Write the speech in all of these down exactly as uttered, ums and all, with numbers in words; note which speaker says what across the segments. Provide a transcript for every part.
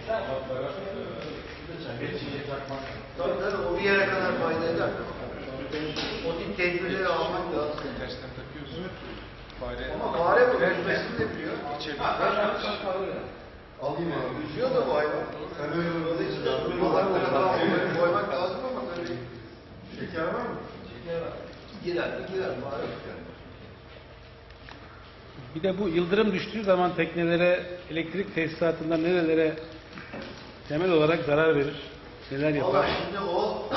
Speaker 1: Tabii tabii o bir yere kadar fayda eder. O tip tedbirleri almak lazım.
Speaker 2: Tersten takıyorsun. Fare.
Speaker 1: Ama fare bu yüzmesini de biliyor.
Speaker 2: Alayım abi.
Speaker 1: Yüzüyor da bu hayvan.
Speaker 2: Sen öyle olmadığı için
Speaker 1: Balıklara koymak lazım ama tabii.
Speaker 2: şeker var mı?
Speaker 1: Şeker var. Girer mi girer. Fare çıkar.
Speaker 3: Bir de bu yıldırım düştüğü zaman teknelere, elektrik tesisatından nerelere temel olarak zarar verir? Neler yapar?
Speaker 1: Valla şimdi o,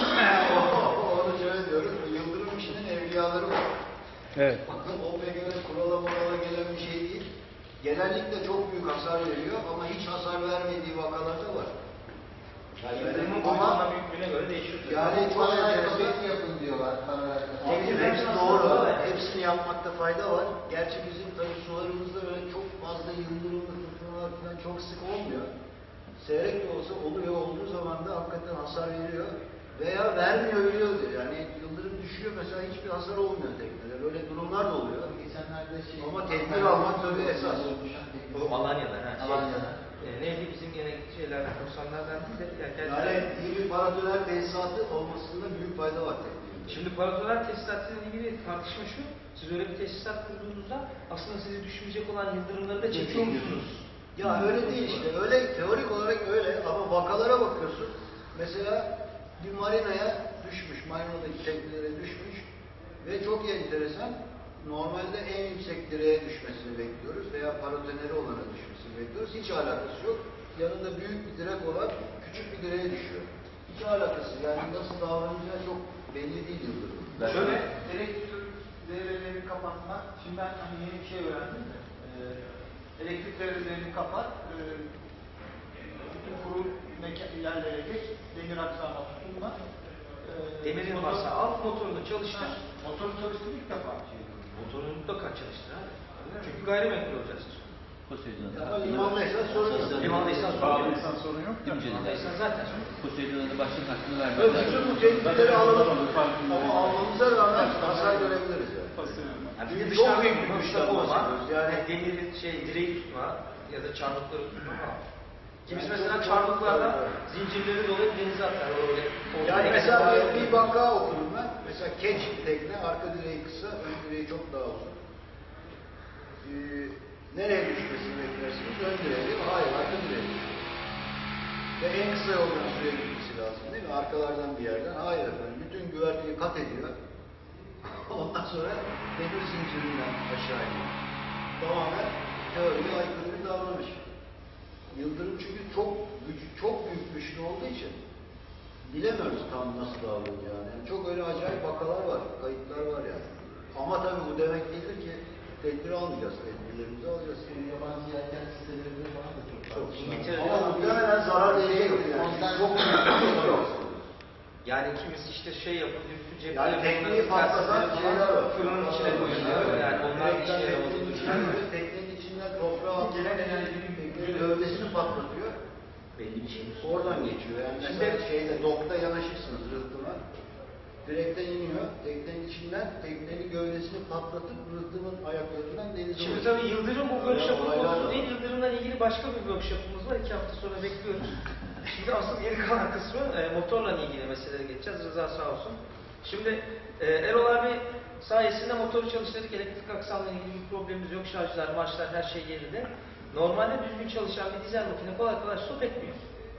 Speaker 1: o onu şöyle diyoruz. Yıldırım işinin evliyaları var.
Speaker 3: Evet.
Speaker 1: Bakın o pek öyle kurala murala gelen bir şey değil. Genellikle çok büyük hasar veriyor ama hiç hasar vermediği vakalar da var.
Speaker 4: Yani yıldırımın boyutuna büyüklüğüne göre değişiyor.
Speaker 1: Yani çok enteresan
Speaker 5: yapın diyorlar.
Speaker 1: Hepsi, hepsi doğru. Hepsini yapmakta fayda var. Gerçi bizim tabii sularımızda öyle çok fazla yıldırımlı fırtınalar falan çok sık olmuyor. Seyrek de olsa oluyor. Olduğu zaman da hakikaten hasar veriyor. Veya vermiyor biliyordur. Yani yıldırım düşüyor mesela hiçbir hasar olmuyor teknede. Böyle durumlar da oluyor.
Speaker 5: Geçenlerde şey...
Speaker 1: Ama tedbir almak tabii esas.
Speaker 4: O Alanya'da. Ha, şey,
Speaker 5: Alanya'da.
Speaker 4: E, neydi bizim gene şeylerden, korsanlardan değil de
Speaker 1: Yani iyi bir paratoner tesisatı olmasında büyük fayda var teknede.
Speaker 4: Şimdi paratoner tesisatıyla ilgili tartışma şu, siz öyle bir tesisat kurduğunuzda aslında sizi düşmeyecek olan yıldırımları da çekiyor musunuz?
Speaker 1: Ya öyle değil işte, öyle teorik olarak öyle ama vakalara bakıyorsun. Mesela bir marinaya düşmüş, marinadaki teknelere düşmüş ve çok enteresan, normalde en yüksek direğe düşmesini bekliyoruz veya parotoneri olana düşmesini bekliyoruz. Hiç alakası yok. Yanında büyük bir direk olan küçük bir direğe düşüyor. Hiç alakası, yani nasıl davranacağı çok belli değil yıldırım.
Speaker 5: Şöyle, elektrik devrelerini kapatmak. Şimdi ben hani yeni bir şey öğrendim de. E, elektrik devrelerini kapat. E, bütün kuru yerlere geç. Demir aksama tutunma. E,
Speaker 4: Demirin
Speaker 5: motor-
Speaker 4: varsa al, motorunu çalıştır.
Speaker 5: Ha, motoru çalıştırdı ilk defa. Şey.
Speaker 4: Motorunu mutlaka çalıştır abi. Çünkü gayrimenkul olacaksın.
Speaker 1: Ama limandaysa sorun yok.
Speaker 4: Limandaysan sorun yok.
Speaker 5: İnsan sorun yok.
Speaker 4: Limandaysan zaten sorun yok.
Speaker 6: Poseidon'a başlık hakkını
Speaker 1: Evet,
Speaker 6: vermezler.
Speaker 1: bütün bu tehditleri alalım ama almamıza rağmen hasar görebiliriz yani.
Speaker 4: Yani bir de
Speaker 1: Çok
Speaker 4: dışarıda
Speaker 1: büyük bir
Speaker 4: tutma,
Speaker 1: güçten
Speaker 4: tutma,
Speaker 1: bahsediyoruz. Yani-
Speaker 4: yani demirin şey, direği tutma ya da çarmıkları tutma falan. Kimisi mesela çarmıklarla zincirleri dolayıp denize atar. Öyle.
Speaker 1: Yani mesela bir, bir vaka okudum ben. Mesela keç tekne, arka direği kısa, ön direği çok daha uzun. Ee, nereye düşmesini beklersiniz? Ön direğe değil mi? Hayır, arka direğe düşüyor. Ve en kısa yoldan suya gitmesi lazım değil mi? Arkalardan bir yerden. Hayır efendim, bütün güverteyi kat ediyor. Ondan sonra demir zincirinden aşağı iniyor. Tamamen teoriye aykırı bir davranış. Yıldırım çünkü çok güç, çok büyük güçlü olduğu için bilemiyoruz tam nasıl davranacağını. Yani çok öyle acayip vakalar var, kayıtlar var yani. Ama tabii bu demek değildir ki tedbir almayacağız, tedbirlerimizi alacağız.
Speaker 5: Yabancı yelken sitelerinde falan da çok
Speaker 1: Çok
Speaker 4: İngiltere'de
Speaker 1: ama muhtemelen zarar verecek yani. Çok büyük bir şey yok.
Speaker 4: Yani kimisi işte şey yapıyor, üstü cepte
Speaker 1: Yani tekneyi patlatan şeyler var.
Speaker 4: fırının içine koyuyor. Yani onlar bir işe yaramıyor.
Speaker 1: Teknenin içinden toprağa gelen enerjinin gövdesini patlatıyor.
Speaker 4: Belli bir şey.
Speaker 1: Oradan geçiyor. Yani mesela şeyde dokta yanaşırsınız rıhtıma. Direkten iniyor. Teknenin içinden teknenin gövdesini patlatıp rıhtımın ayaklarından denize
Speaker 4: Şimdi
Speaker 1: ulaşıyor.
Speaker 4: tabii Yıldırım bu workshop'un
Speaker 1: Yani
Speaker 4: konusu
Speaker 1: olaylar
Speaker 4: değil. Yıldırım'la ilgili başka bir workshop'umuz var. İki hafta sonra bekliyoruz. Şimdi asıl geri kalan kısmı e, motorla ilgili meselelere geçeceğiz. Rıza sağ olsun. Şimdi e, Erol abi sayesinde motoru çalıştırdık. Elektrik aksamla ilgili bir problemimiz yok. Şarjlar, marşlar her şey yerinde. Normalde düzgün çalışan bir dizel makine kolay kolay stop etmiyor.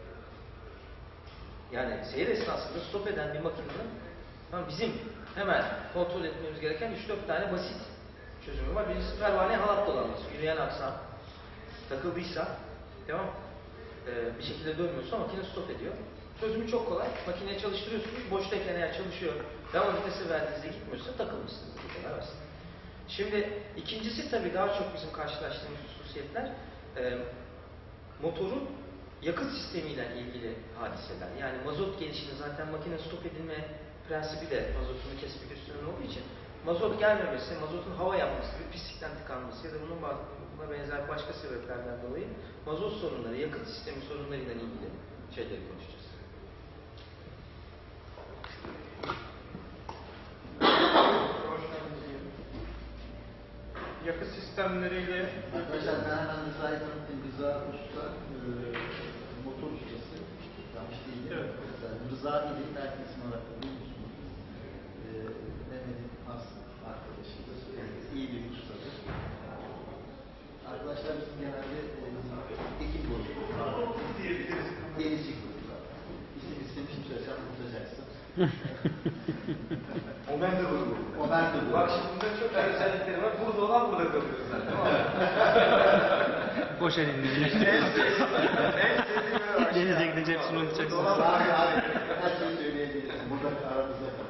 Speaker 4: Yani seyir esnasında stop eden bir makinenin bizim hemen kontrol etmemiz gereken üç dört tane basit çözümü var. Birincisi pervane halat dolanması. Yürüyen aksam takıldıysa, tamam ee, bir şekilde dönmüyorsa makine stop ediyor. Çözümü çok kolay. Makineyi çalıştırıyorsunuz. Boştayken eğer çalışıyor, devam vitesi verdiğinizde gitmiyorsa takılmışsınız. Bu kadar basit. Şimdi ikincisi tabii daha çok bizim karşılaştığımız hususiyetler e, motorun yakıt sistemiyle ilgili hadiseler. Yani mazot gelişini zaten makine stop edilme prensibi de mazotunu kesmek üstüne olduğu için mazot gelmemesi, mazotun hava yapması, bir pislikten tıkanması ya da bunun buna benzer başka sebeplerden dolayı mazot sorunları, yakıt sistemi sorunlarıyla ilgili şeyleri konuşacağız.
Speaker 5: Yakıt sistemleriyle
Speaker 6: Arkadaşlar ben hemen müsait tanıtayım. Rıza Usta, motor ustası, yanlış değil mi?
Speaker 5: Evet.
Speaker 6: Mesela Rıza İl'in merkezin olarak da duymuşsunuz. Ee, Mehmet'in has arkadaşıdır. Ee, iyi bir ustadır. Arkadaşlar bizim genelde e, ekip bozuluyor. Denizci gruplar. İsim istemişim söylesem unutacaksın.
Speaker 1: O ben de bunu.
Speaker 6: O ben de
Speaker 4: Bak şimdi bunda çok güzel özellikleri var. Burada olan burada kalıyor zaten.
Speaker 3: Boş elinde. Denize gidince hepsini unutacaksın.
Speaker 6: Abi abi her şeyi söyleyebilirsin. Burada aramızda kalın.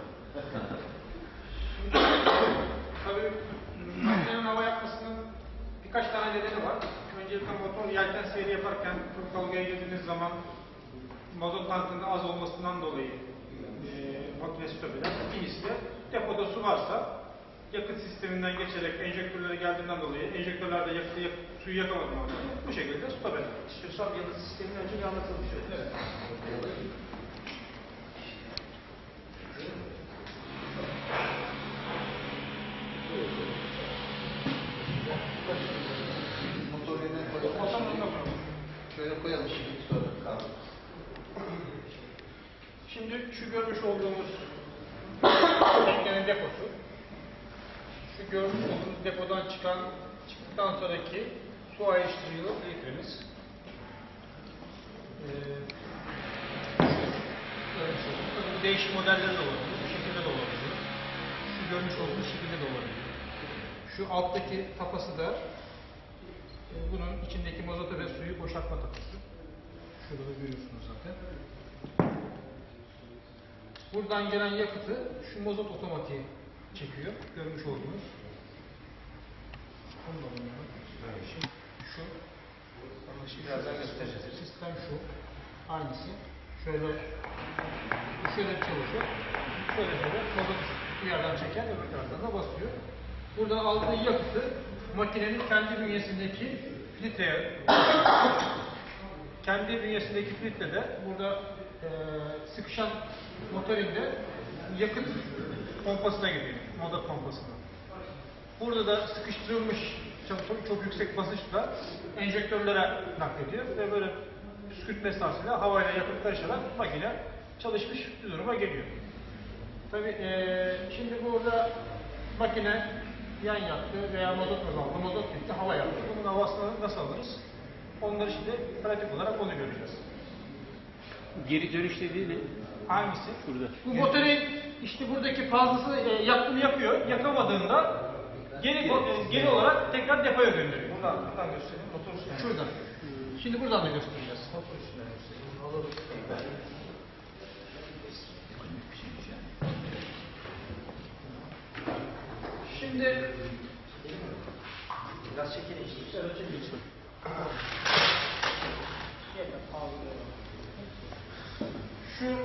Speaker 5: Tabii makinenin hava yapmasının birkaç tane nedeni var. Öncelikle motor yelken seyri yaparken çok dalgaya girdiğiniz zaman mazot tankının az olmasından dolayı e, makine stop eder. İkincisi de depoda su varsa yakıt sisteminden geçerek enjektörlere geldiğinden dolayı enjektörlerde yakıtı, yak, suyu yakamadığından dolayı bu şekilde stop eder.
Speaker 4: İstiyorsan yakıt sistemini önce bir anlatalım şöyle.
Speaker 5: Evet.
Speaker 6: Motor yerine koyalım.
Speaker 5: Motorun önüne koyalım.
Speaker 6: Şöyle koyalım şimdi sonra kaldı.
Speaker 5: Şimdi şu görmüş olduğumuz teknenin deposu. Şu görmüş olduğumuz depodan çıkan çıktıktan sonraki su ayrıştırıcılı filtremiz. Ee, görmüş olduğumuz. Tabii bu değişik modelleri de olabilir. Bu şekilde de olabilir. Şu görmüş olduğumuz şekilde de olabilir. Şu alttaki tapası da e, bunun içindeki mazotu ve suyu boşaltma tapası. Şurada da görüyorsunuz zaten. Buradan gelen yakıtı şu mazot otomatiği çekiyor. Görmüş olduğunuz. Onu da bunları. Şimdi şu.
Speaker 4: Birazdan göstereceğiz.
Speaker 5: Sistem şu. Aynısı. Şöyle şöyle çalışıyor. Şöyle şöyle mazot bir yerden çeker, öbür taraftan da basıyor. Buradan aldığı yakıtı makinenin kendi bünyesindeki filtreye kendi bünyesindeki filtrede burada e, sıkışan motorinde yakıt pompasına gidiyor. Motor pompasına. Burada da sıkıştırılmış çok, çok, çok yüksek basınçla enjektörlere naklediyor ve böyle püskürtme esnasıyla havayla yakıt karışarak makine çalışmış bir duruma geliyor. Tabii e, şimdi burada makine yan yaktı veya mazot azaldı, mazot gitti, hava yaptı. Bunun havasını nasıl alırız? Onları şimdi pratik olarak onu göreceğiz.
Speaker 3: Geri dönüş dediği ne?
Speaker 5: Hangisi?
Speaker 3: Şurada.
Speaker 5: Bu motorun işte buradaki fazlası e, yaktığını yakıyor. Yakamadığında geri e, geri olarak tekrar depoya gönderiyor.
Speaker 4: Buradan, buradan göstereyim. Motor üstüne.
Speaker 5: Şuradan. Şimdi buradan da göstereceğiz.
Speaker 4: Motor üstüne göstereyim. Alalım.
Speaker 5: Şimdi
Speaker 4: Biraz çekelim işte.
Speaker 5: şöyle çekilsin. Şu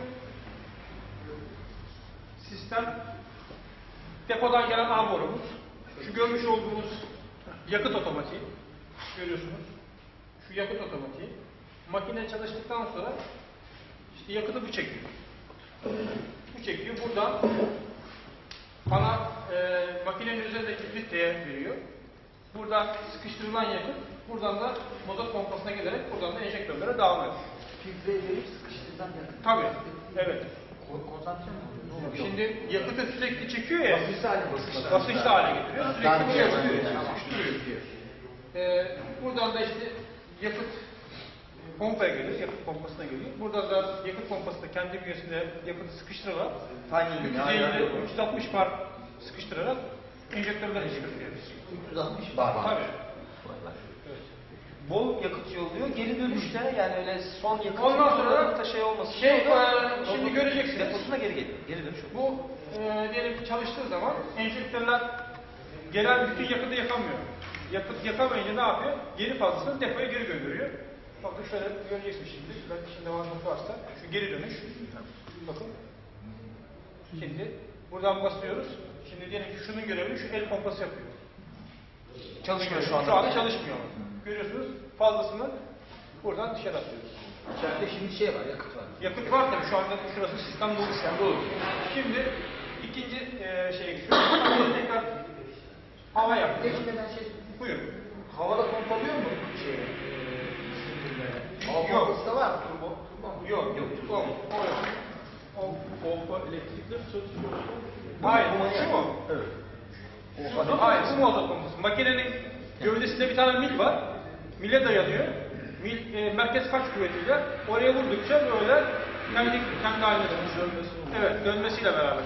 Speaker 5: sistem depodan gelen ağ borumuz. Şu görmüş olduğunuz yakıt otomatiği. Görüyorsunuz. Şu yakıt otomatiği. Makine çalıştıktan sonra işte yakıtı bu çekiyor. Bu çekiyor. Buradan ana e, makinenin üzerindeki filtreye veriyor. Buradan sıkıştırılan yakıt, buradan da mazot pompasına gelerek buradan da enjektörlere devam ediyor.
Speaker 6: Filtreye verip sıkıştırdan yakın.
Speaker 5: Tabii, evet.
Speaker 6: Konsantre mi oluyor?
Speaker 5: Şimdi yakıtı sürekli çekiyor ya,
Speaker 6: Basınçlı hale basınçlı.
Speaker 5: basınçlı hale getiriyor, sürekli
Speaker 6: Yani
Speaker 5: buraya
Speaker 6: yani
Speaker 5: basıyor,
Speaker 6: yani.
Speaker 5: sıkıştırıyor. Ee, buradan da işte yakıt pompaya geliyor, yakıt pompasına geliyor. Buradan da yakıt pompasında kendi bünyesinde yakıtı sıkıştırarak,
Speaker 6: Timing'ini
Speaker 5: üç yüz elli üç yüz altmış bar sıkıştırarak enjektörler çıkartıyor.
Speaker 6: üç yüz altmış bar.
Speaker 5: Tabii.
Speaker 4: Bol yakıt yolluyor. Geri dönüşte yani öyle son yakıt
Speaker 5: Ondan sonra
Speaker 4: da şey olmasın.
Speaker 5: şey,
Speaker 4: O da
Speaker 5: e, şimdi
Speaker 4: motorun
Speaker 5: göreceksiniz.
Speaker 4: Deposuna geri geliyor. Geri dönüş oluyor.
Speaker 5: Bu e, diyelim ki çalıştığı zaman enjektörler gelen bütün yakıtı yakamıyor. Yakıt yakamayınca ne yapıyor? Geri fazlasını depoya geri gönderiyor. Bakın şöyle göreceksiniz şimdi. Belki şimdi devamlı varsa. Şu geri dönüş. Bakın. Şimdi buradan basıyoruz. Şimdi diyelim ki şunun görevini şu el pompası yapıyor.
Speaker 4: Çalışmıyor şu anda.
Speaker 5: Şu anda çalışmıyor. Görüyorsunuz fazlasını buradan dışarı atıyoruz.
Speaker 6: İçeride şimdi şey var, yakıt var.
Speaker 5: Yakıt var tabii şu anda şurası sistem dolu. Sistem dolu. Şimdi ikinci e, şeye geçiyoruz. Tekrar hava yaptık.
Speaker 6: Geçmeden şey,
Speaker 5: Buyurun.
Speaker 6: havada pompalıyor mu şey? Hava
Speaker 5: Yok.
Speaker 6: pompası da var mı?
Speaker 7: Hayır, şu mu? Evet. Hayır, bu mazot pompası. Makinenin gövdesinde bir tane mil var. Mile dayanıyor. Mil, e, merkez kaç kuvvetiyle oraya vurdukça böyle kendi, kendi haline dönüyor. Evet, dönmesiyle beraber.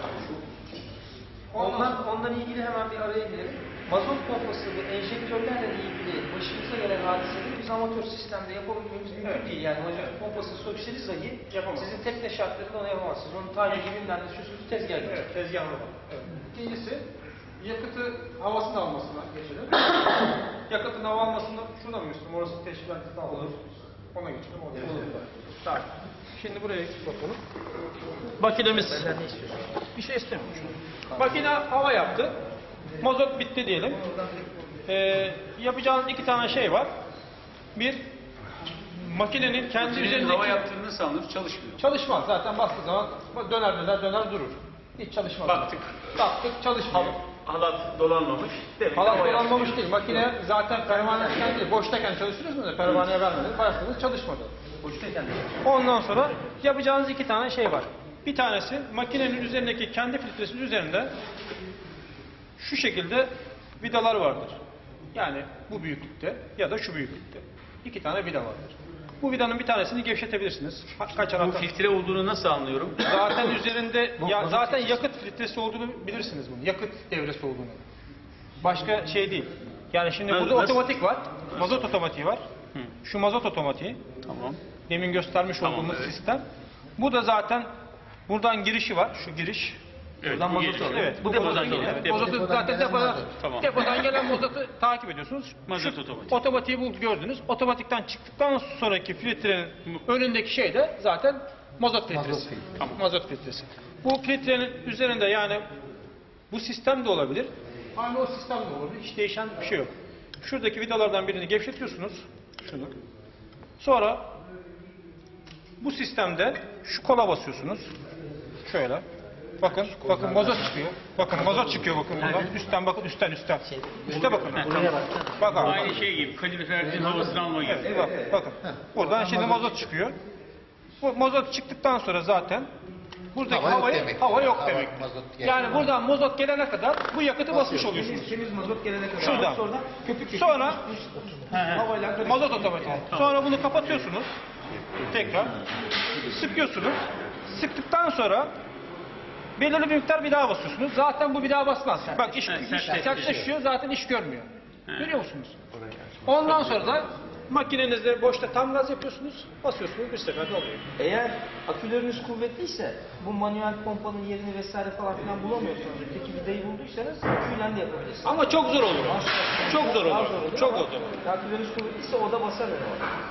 Speaker 4: Ondan, ondan ilgili hemen bir araya girelim. Mazot pompası ve enjektörlerle ilgili başımıza gelen hadiseleri biz amatör sistemde yapabilmemiz mümkün
Speaker 7: Evet.
Speaker 4: değil. Yani mazot pompası sökseniz dahi
Speaker 7: Yapamaz.
Speaker 4: sizin tekne şartlarında onu yapamazsınız. Onun tayici bilmem ne süsüsü tezgah gibi.
Speaker 7: Evet, tezgahlı var. Evet. İkincisi, yakıtı havasını almasına geçelim. Yakıtın hava almasını şuna mı Müslüm? Orası teşkilatı olur. Ona geçelim. Orada. Evet. Tamam. Şimdi buraya bakalım. Makinemiz.
Speaker 4: Benden ne istiyorsun?
Speaker 7: Bir şey istemiyorum. Makine hava yaptı. Mazot bitti diyelim. Ee, yapacağınız iki tane şey var. Bir, makinenin kendi üzerindeki...
Speaker 3: hava yaptığını nasıl anlıyoruz? Çalışmıyor.
Speaker 7: Çalışmaz. Zaten bastığı zaman döner döner döner durur. Hiç çalışmaz.
Speaker 3: Baktık.
Speaker 7: Baktık çalışmıyor.
Speaker 3: Halat dolanmamış. Demek ki
Speaker 7: Halat
Speaker 3: hava yaptı.
Speaker 7: dolanmamış değil. Makine zaten pervaneyken değil. Boştayken çalıştınız mı? Pervaneye vermediniz. Bastınız çalışmadı.
Speaker 3: Boştayken de.
Speaker 7: Ondan sonra yapacağınız iki tane şey var. Bir tanesi makinenin üzerindeki kendi filtresinin üzerinde şu şekilde vidalar vardır. Yani bu büyüklükte ya da şu büyüklükte. İki tane vida vardır. Bu vidanın bir tanesini gevşetebilirsiniz. Ka- Kaç
Speaker 3: Bu
Speaker 7: anahtar?
Speaker 3: filtre olduğunu nasıl anlıyorum?
Speaker 7: Zaten üzerinde ya zaten yakıt filtresi olduğunu bilirsiniz bunu. Yakıt devresi olduğunu. Başka şey değil. Yani şimdi
Speaker 3: Nasıl-
Speaker 7: burada
Speaker 3: nasıl?
Speaker 7: otomatik var. Mazot otomatiği var.
Speaker 3: Hı.
Speaker 7: Şu mazot otomatiği.
Speaker 3: Tamam.
Speaker 7: Demin göstermiş
Speaker 3: Tamam,
Speaker 7: olduğumuz
Speaker 3: evet.
Speaker 7: sistem. Bu da zaten buradan girişi var. Şu giriş.
Speaker 3: Evet,
Speaker 7: Buradan
Speaker 3: bu
Speaker 7: mazot
Speaker 3: giriş.
Speaker 7: alıyor. Evet,
Speaker 3: Bu
Speaker 7: bu
Speaker 3: depodan
Speaker 7: mazot
Speaker 3: geliyor.
Speaker 7: Evet,
Speaker 3: Depo-
Speaker 7: mazotu
Speaker 6: depodan
Speaker 7: zaten
Speaker 6: gelen
Speaker 7: depodan,
Speaker 6: mazot.
Speaker 3: Tamam.
Speaker 7: depodan gelen mazotu takip ediyorsunuz.
Speaker 3: Mazot
Speaker 7: Şu
Speaker 3: otomatik.
Speaker 7: Otomatiği bu gördünüz. Otomatikten çıktıktan sonraki filtrenin önündeki şey de zaten mazot filtresi.
Speaker 6: Mazot filtresi.
Speaker 7: Tamam. Mazot filtresi. Bu filtrenin üzerinde yani bu sistem de olabilir. Aynı o sistem de olabilir. Hiç değişen bir şey yok. Şuradaki vidalardan birini gevşetiyorsunuz. Şunu. Sonra bu sistemde şu kola basıyorsunuz. Şöyle. Bakın, bakın mazot çıkıyor. Bakın mazot çıkıyor bakın buradan. Üstten bakın, üstten üstten. Üste bakın. Bak abi.
Speaker 3: Aynı şey gibi. Kaloriferin havasını alma gibi.
Speaker 7: Evet, bak, bakın. Buradan şimdi mazot çıkıyor. Bu mazot çıktıktan sonra zaten buradaki
Speaker 6: Hava yok
Speaker 7: havayı,
Speaker 6: demek.
Speaker 7: hava yok
Speaker 6: Hava,
Speaker 7: demek.
Speaker 6: mazot geldi.
Speaker 7: Yani buradan mazot gelene kadar bu yakıtı basmış oluyorsunuz.
Speaker 4: Temiz mazot gelene kadar.
Speaker 7: Şuradan.
Speaker 4: Sonra köpük köpük.
Speaker 7: Sonra
Speaker 4: havayla karıştırıyor.
Speaker 7: mazot otomatik. Sonra bunu kapatıyorsunuz. Tekrar. Sıkıyorsunuz. Sıktıktan sonra belirli bir miktar bir daha basıyorsunuz. Zaten bu bir daha basmaz. Bak iş,
Speaker 3: Ha,
Speaker 7: iş
Speaker 3: sertleşiyor.
Speaker 7: sertleşiyor. Zaten iş görmüyor. Görüyor musunuz? Ondan sonra da makinenizde boşta tam gaz yapıyorsunuz. Basıyorsunuz bir seferde oluyor.
Speaker 4: Eğer aküleriniz kuvvetliyse bu manuel pompanın yerini vesaire falan filan bulamıyorsanız öteki vidayı bulduysanız aküyle de yapabilirsiniz.
Speaker 7: Ama çok zor olur. Çok zor
Speaker 4: Daha
Speaker 7: olur.
Speaker 4: zor olur
Speaker 7: Çok
Speaker 4: ama
Speaker 7: zor.
Speaker 4: Aküleriniz kuvvetliyse o da basar öyle.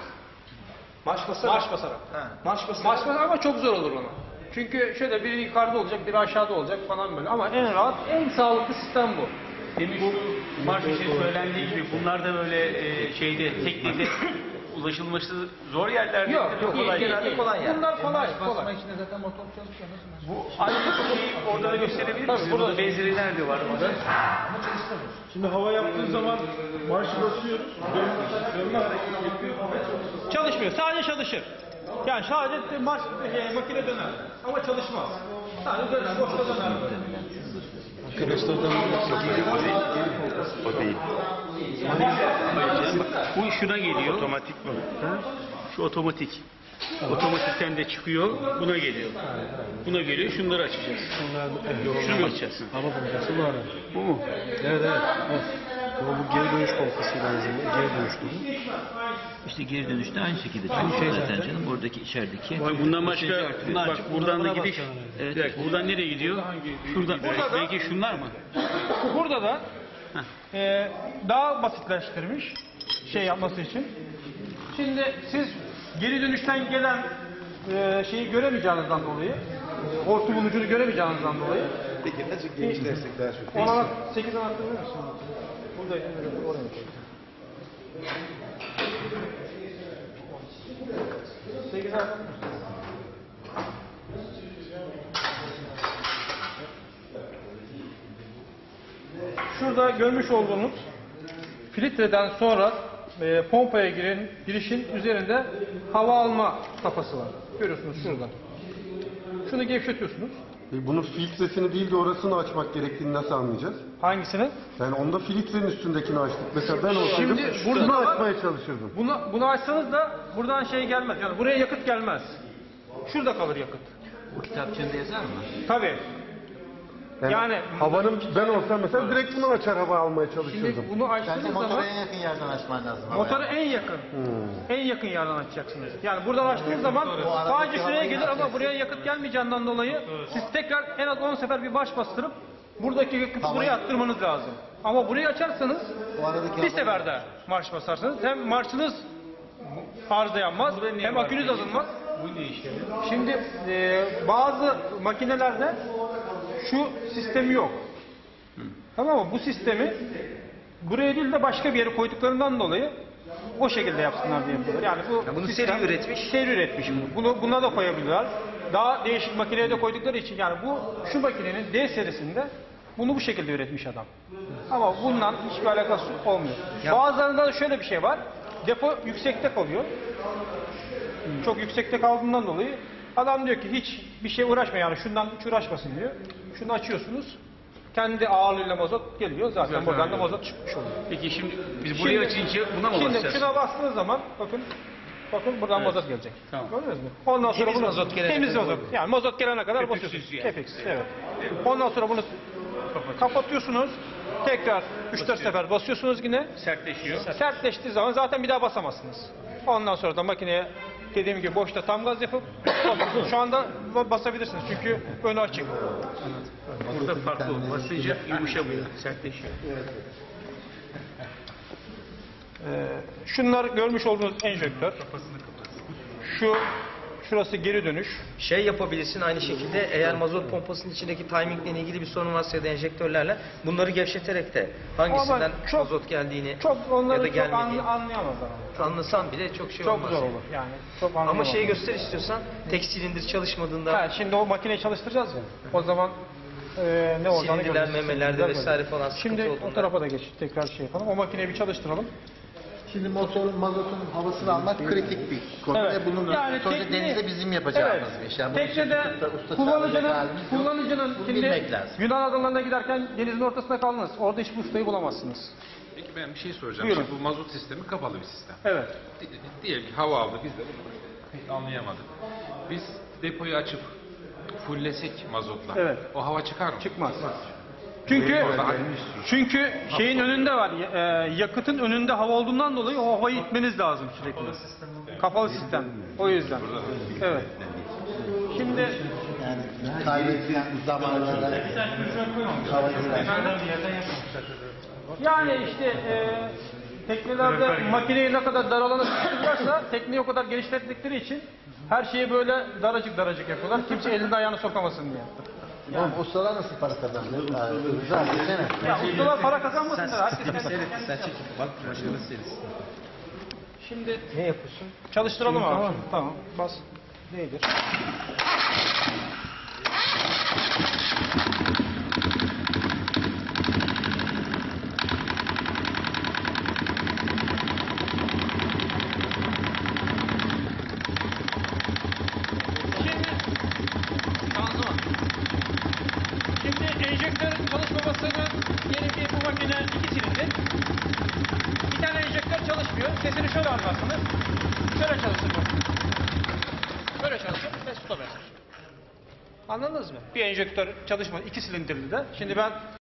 Speaker 4: Marş basarak.
Speaker 7: Marş basarak.
Speaker 4: Marş basarak.
Speaker 7: Marş basarak ama çok zor olur ona. Çünkü şöyle biri yukarıda olacak, biri aşağıda olacak falan böyle. Ama en rahat, en sağlıklı sistem bu.
Speaker 3: Demin şu marş için söylendiği gibi bunlar da böyle e, şeyde teknede ulaşılması zor yerlerde.
Speaker 7: Yok, yok,
Speaker 3: kolay
Speaker 7: iyi,
Speaker 3: değil.
Speaker 7: iyi.
Speaker 4: kolay yani.
Speaker 7: Bunlar kolay,
Speaker 6: Basma
Speaker 7: kolay.
Speaker 6: içinde zaten motor çalışıyor. Nasıl?
Speaker 3: Bu aynı şeyi orada da gösterebilir
Speaker 7: Tabii,
Speaker 3: misiniz?
Speaker 7: burada-
Speaker 3: Burada benzeri nerede var? Orada?
Speaker 2: Şimdi hava yaptığı zaman marşı basıyoruz. Dönmez.
Speaker 7: Çalışmıyor, sadece çalışır. Yani sadece marş, e, makine döner. Ama çalışmaz. Sadece döner, boşta döner.
Speaker 3: O değil. Bu şuna geliyor. Otomatik mi? Şu otomatik. Otomatikten de çıkıyor, buna geliyor. Buna geliyor, şunları açacağız. Şunu mu açacaksın?
Speaker 2: Hava pompası var.
Speaker 3: Bu mu?
Speaker 2: Evet evet. Ama bu geri dönüş pompasıyla lazım. Geri dönüştürüyor.
Speaker 8: İşte geri dönüşte aynı şekilde çalışıyor zaten canım. Oradaki içerideki.
Speaker 3: Vay, bundan başka, bak buradan da gidiş.
Speaker 8: Evet.
Speaker 3: Bir dakika, buradan nereye gidiyor? Şuradan.
Speaker 7: Burada da-
Speaker 3: Belki şunlar mı?
Speaker 7: Burada da e, daha basitleştirmiş şey yapması için. Şimdi siz geri dönüşten gelen e, şeyi göremeyeceğinizden dolayı, hortumun ucunu göremeyeceğinizden dolayı
Speaker 2: Peki nasıl genişlersek daha çok?
Speaker 7: ona sekiz anahtarı verir misin? Burada oraya koy. sekiz anahtarı verir misin? Şurada görmüş olduğunuz filtreden sonra e, pompaya giren girişin üzerinde hava alma kafası var. Görüyorsunuz şuradan. Şunu gevşetiyorsunuz.
Speaker 9: E, bunun filtresini değil de orasını açmak gerektiğini nasıl anlayacağız?
Speaker 7: Hangisini?
Speaker 9: Yani onda filtrenin üstündekini açtık. Mesela ben olsaydım
Speaker 7: Şimdi
Speaker 9: bunu
Speaker 7: burada-
Speaker 9: açmaya çalışırdım.
Speaker 7: Bunu, bunu açsanız da buradan şey gelmez. Yani buraya yakıt gelmez. Şurada kalır yakıt.
Speaker 8: Bu kitapçığında yazar mı?
Speaker 7: Tabii.
Speaker 9: Yani,
Speaker 7: Yani-
Speaker 9: havanın ben olsam mesela direkt bunu açar hava almaya
Speaker 7: Şimdi
Speaker 9: çalışırdım.
Speaker 7: bunu
Speaker 6: Bence
Speaker 7: açtığınız
Speaker 6: motora
Speaker 7: zaman
Speaker 6: en yakın yerden açman lazım. ama
Speaker 7: motoru
Speaker 6: yani.
Speaker 7: en yakın. En yakın yerden açacaksınız. Yani buradan açtığınız zaman sadece şuraya gelir ama buraya yakıt gelmeyeceğinden dolayı siz tekrar en az on sefer bir marş bastırıp buradaki yakıtı buraya attırmanız lazım. Ama burayı açarsanız
Speaker 6: O aradaki
Speaker 7: bir
Speaker 6: havayı-
Speaker 7: seferde marş basarsanız hem marşınız arıza yanmaz hem akünüz azalmaz.
Speaker 3: Bu ne işe?
Speaker 7: Şimdi e, bazı makinelerde şu sistemi yok. Tamam mı? Bu sistemi buraya değil de başka bir yere koyduklarından dolayı o şekilde yapsınlar diye yapıyorlar. Yani bu
Speaker 4: bunu
Speaker 7: sistem-
Speaker 4: seri üretmiş.
Speaker 7: Seri üretmiş bunu. Bunu buna da koyabilirler. Daha değişik makineye de koydukları için yani bu şu makinenin D serisinde bunu bu şekilde üretmiş adam. Ama bundan hiçbir alakası olmuyor. Bazılarında da şöyle bir şey var. Depo yüksekte kalıyor. Çok yüksekte kaldığından dolayı adam diyor ki hiç bir şey uğraşma yani şundan hiç uğraşmasın diyor. Şunu açıyorsunuz. Kendi ağırlığıyla mazot geliyor. Zaten
Speaker 3: Zaten
Speaker 7: buradan da
Speaker 3: öyle.
Speaker 7: mazot çıkmış oluyor.
Speaker 3: Peki şimdi biz buraya
Speaker 7: Şimdi-
Speaker 3: açınca buna mı
Speaker 7: Şimdi
Speaker 3: basacağız?
Speaker 7: şuna bastığınız zaman bakın bakın buradan
Speaker 3: Evet.
Speaker 7: mazot gelecek.
Speaker 3: Tamam.
Speaker 7: Gördünüz mü? Ondan sonra
Speaker 4: Temiz
Speaker 7: bunu
Speaker 4: mazot gelene
Speaker 7: temiz
Speaker 4: kadar.
Speaker 7: mazot. Yani mazot gelene kadar
Speaker 3: Köpüksüz
Speaker 7: basıyorsunuz.
Speaker 3: yani.
Speaker 7: Kepeksiz. Evet. Ondan sonra bunu kapatıyorsunuz. Tekrar üç dört sefer basıyorsunuz yine.
Speaker 3: Sertleşiyor.
Speaker 7: Sertleştiği zaman zaten bir daha basamazsınız. Ondan sonra da makineye dediğim gibi boşta tam gaz yapıp şu anda basabilirsiniz çünkü önü açık.
Speaker 3: Burada farklı olur. Basınca yumuşamıyor, sertleşiyor.
Speaker 7: Ee, şunlar görmüş olduğunuz enjektör. Şu şurası geri dönüş.
Speaker 4: Şey yapabilirsin aynı şekilde eğer mazot pompasının içindeki timingle ilgili bir sorun varsa ya da enjektörlerle bunları gevşeterek de hangisinden
Speaker 7: Ama çok-
Speaker 4: mazot geldiğini
Speaker 7: Çok
Speaker 4: ya
Speaker 7: onları
Speaker 4: da
Speaker 7: çok
Speaker 4: gelmediğini
Speaker 7: an, anlayamazlar. ama.
Speaker 4: anlasan bile çok şey
Speaker 7: Çok
Speaker 4: olmaz.
Speaker 7: zor olur yani. Çok
Speaker 4: Ama
Speaker 7: anlayamazlar.
Speaker 4: şeyi göster istiyorsan tek silindir çalışmadığında
Speaker 7: Ha, şimdi o makineyi çalıştıracağız ya. O zaman e, ne olacağını
Speaker 4: Silindirler,
Speaker 7: göreceğiz.
Speaker 4: memelerde
Speaker 7: Silindirler
Speaker 4: vesaire
Speaker 7: böyle.
Speaker 4: falan sıkıntı
Speaker 7: Şimdi o
Speaker 4: olduğunda-
Speaker 7: tarafa da geç. Tekrar şey yapalım. O makineyi bir çalıştıralım.
Speaker 6: Şimdi motorun, mazotun havasını almak kritik bir konu
Speaker 7: Evet.
Speaker 6: ve bunun
Speaker 7: Yani
Speaker 6: sonuçta
Speaker 7: tekne-
Speaker 6: denizde bizim yapacağımız
Speaker 7: Evet.
Speaker 6: bir iş. Yani bunu
Speaker 7: Teknede
Speaker 6: tutup da usta
Speaker 7: kullanıcının,
Speaker 6: çağıracak halimiz yok.
Speaker 7: kullanıcının
Speaker 6: Bunu
Speaker 7: şimdi
Speaker 6: bilmek lazım.
Speaker 7: Yunan adalarına giderken denizin ortasında kaldınız. Orada hiçbir ustayı bulamazsınız.
Speaker 10: Peki ben bir şey soracağım.
Speaker 7: Buyurun.
Speaker 10: Şimdi bu mazot sistemi kapalı bir sistem.
Speaker 7: Evet.
Speaker 10: Di- Diyelim ki hava aldı biz de bunu pek anlayamadık. Biz depoyu açıp fullesek mazotla.
Speaker 7: Evet.
Speaker 10: O hava çıkar mı?
Speaker 7: Çıkmaz. Çünkü çünkü şeyin önünde var. e, yakıtın önünde hava olduğundan dolayı o havayı itmeniz lazım sürekli. Kapalı sistem. O yüzden. Evet. Şimdi
Speaker 6: Yani kaybedilen zamanlarda hava girer.
Speaker 7: yani işte e, teknelerde makineyi ne kadar dar alana sıkıştırırlarsa tekneyi o kadar genişlettikleri için her şeyi böyle daracık daracık yapıyorlar. Kimse elini ayağını sokamasın diye.
Speaker 6: Oğlum ustalar nasıl para kazandı? Güzel desene.
Speaker 7: Ya ustalar para kazanmasınlar. Herkes kendi-
Speaker 8: Sen çekip bak başkanı serisi.
Speaker 7: Şimdi
Speaker 4: ne yapıyorsun?
Speaker 7: çalıştıralım abi. Tamam. Bas. Değdir. Şanzıman. Şimdi enjektörün çalışmamasının gerektiği bu makine iki silindir. Bir tane enjektör çalışmıyor. Sesini şöyle anlarsınız. Şöyle çalışır bu. Böyle çalışır ve stop eder. Anladınız mı? Bir enjektör çalışma iki silindirli de. Şimdi ben